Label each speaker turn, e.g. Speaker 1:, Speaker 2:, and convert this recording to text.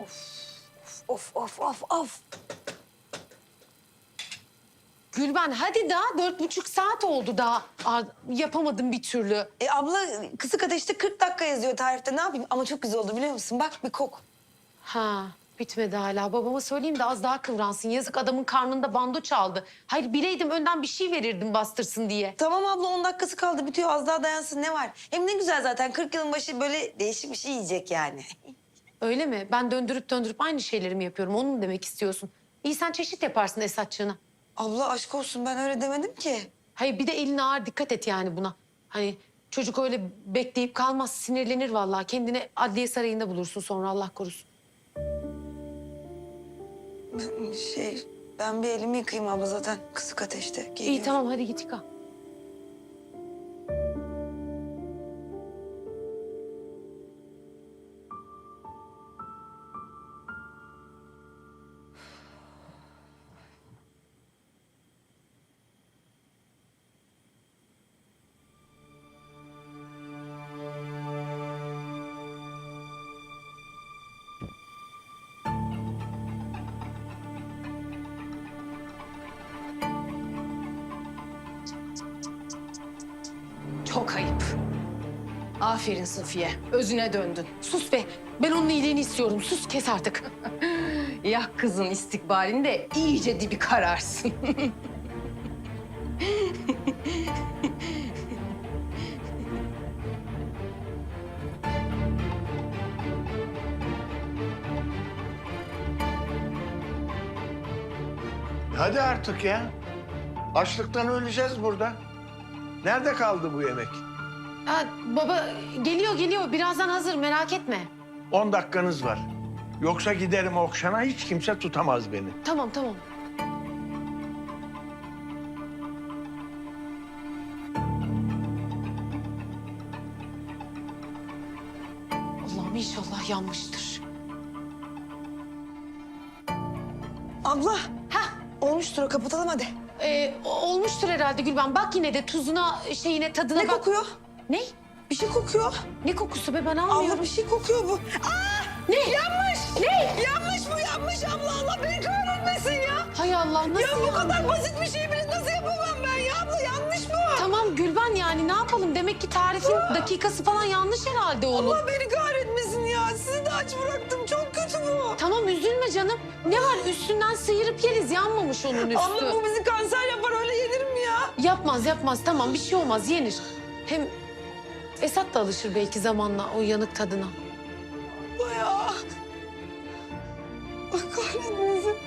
Speaker 1: Of of of of.
Speaker 2: Gülben hadi daha 4,5 saat oldu daha. Yapamadım bir türlü.
Speaker 1: Abla kısık ateşte 40 dakika yazıyor tarifte. Ne yapayım? Ama çok güzel oldu biliyor musun? Bak bir kok.
Speaker 2: Ha bitmedi hala. Babama söyleyeyim de az daha kıvransın. Yazık adamın karnında bando çaldı. Hayır bileydim önden bir şey verirdim bastırsın diye.
Speaker 1: Tamam abla 10 dakikası kaldı bitiyor. Az daha dayansın ne var? Hem ne güzel zaten 40 yılın başı böyle değişik bir şey yiyecek yani.
Speaker 2: Öyle mi? Ben döndürüp döndürüp aynı şeyleri mi yapıyorum? Onu mu demek istiyorsun? İyi sen çeşit yaparsın Esatçığına.
Speaker 1: Abla aşk olsun ben öyle demedim ki.
Speaker 2: Hayır bir de elin ağır dikkat et yani buna. Hani çocuk öyle bekleyip kalmaz sinirlenir vallahi. Kendini adliye sarayında bulursun sonra Allah korusun.
Speaker 1: Ben bir elimi yıkayayım abla zaten kısık ateşte. Geliyor.
Speaker 2: İyi tamam hadi git yıka. Çok ayıp. Aferin Safiye. Özüne döndün. Sus be. Ben onun iyiliğini istiyorum. Sus kes artık.
Speaker 3: Ya kızın istikbalinde iyice dibi kararsın.
Speaker 4: Hadi artık ya. Açlıktan öleceğiz burada. Nerede kaldı bu yemek?
Speaker 2: Ha, baba geliyor. Birazdan hazır merak etme.
Speaker 4: 10 dakikanız var. Yoksa giderim Okşan'a hiç kimse tutamaz beni.
Speaker 2: Tamam. Allah'ım inşallah yanmıştır.
Speaker 1: Abla
Speaker 2: Hah.
Speaker 1: olmuştur o kapatalım hadi.
Speaker 2: Olmuştur herhalde Gülben. Bak yine de tuzuna, tadına
Speaker 1: Ne
Speaker 2: bak.
Speaker 1: kokuyor?
Speaker 2: Ne?
Speaker 1: Bir şey kokuyor.
Speaker 2: Ne kokusu be ben almıyorum.
Speaker 1: Abla bir şey kokuyor bu.
Speaker 2: Ne? Yanmış. Ne?
Speaker 1: Yanmış bu yanmış abla Allah beni kahretmesin ya.
Speaker 2: Hay Allah nasıl
Speaker 1: Ya bu
Speaker 2: yandı?
Speaker 1: kadar basit bir şey bile nasıl yapamam ben ya abla yanlış bu.
Speaker 2: Tamam Gülben yani ne yapalım? Demek ki tarifin dakikası falan yanlış herhalde oğlum.
Speaker 1: Allah beni kahretmesin ya. Sizi de aç bıraktım. Çok kötü bu.
Speaker 2: Tamam üzülme canım. Ne var üstünden sıyırıp yeriz yanmamış onun üstü.
Speaker 1: Abla bu bizi kanser yapar öyle yenir mi ya?
Speaker 2: Yapmaz tamam bir şey olmaz yenir. Hem Esat da alışır belki zamanla o yanık tadına.
Speaker 1: Abla ya. Allah kahretmesin.